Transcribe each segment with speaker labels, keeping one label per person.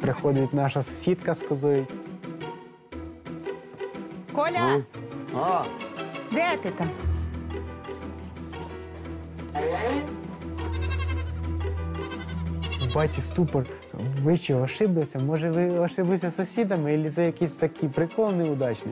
Speaker 1: приходить наша сусідка з козою.
Speaker 2: Коля,
Speaker 3: А,
Speaker 2: де ти там?
Speaker 1: Бачу ступор. Ви що, ошиблися? Може, ви ошиблися з сусідами, або це якийсь такий прикол неудачний?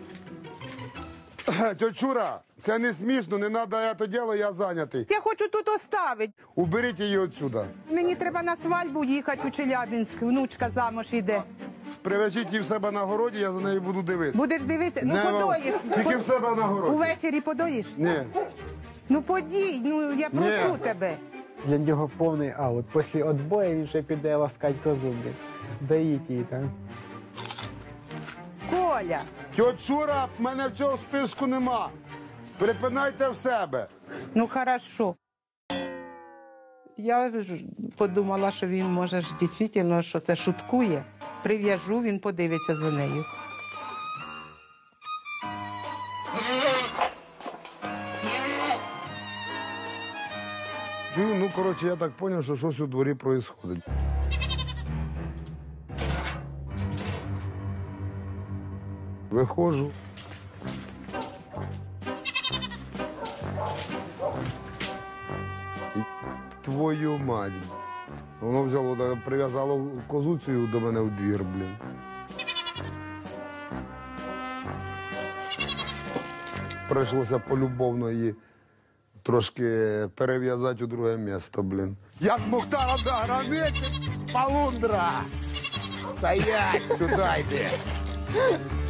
Speaker 3: тьоть Шура, це не смішно, не треба це діло, я зайнятий.
Speaker 2: Я хочу тут оставити.
Speaker 3: Уберіть її отсюда.
Speaker 2: Мені треба на свадьбу їхати у Челябинськ, внучка замуж іде.
Speaker 3: Привезіть її в себе на городі, я за нею буду дивитися.
Speaker 2: Будеш дивитися? Ну
Speaker 3: Не,
Speaker 2: подоїш.
Speaker 3: Тільки в себе на городі.
Speaker 2: Увечері подоїш?
Speaker 3: Ні.
Speaker 2: Ну подій, ну я прошу
Speaker 3: Ні.
Speaker 2: тебе.
Speaker 1: Для нього повний аут. Після відбою він вже піде ласкати козу, блін. Доїть її там.
Speaker 2: Коля,
Speaker 3: Тьоть Шура, в мене в цього списку нема. Припинайте в себе.
Speaker 2: ну хорошо. Я ж подумала, що він може ж дійсно, що це шуткує. Прив'яжу, він подивиться за нею.
Speaker 3: Чую, ну, коротше, я так зрозумів, що щось у дворі відбувається. Виходжу. І твою мать. Воно взяло, прив'язало козу цю до мене в двір, блін. Прийшлося полюбовно її трошки перев'язати у друге місце, блін. Я з Мухтаром до границі, полундра! Стоять, сюди йди!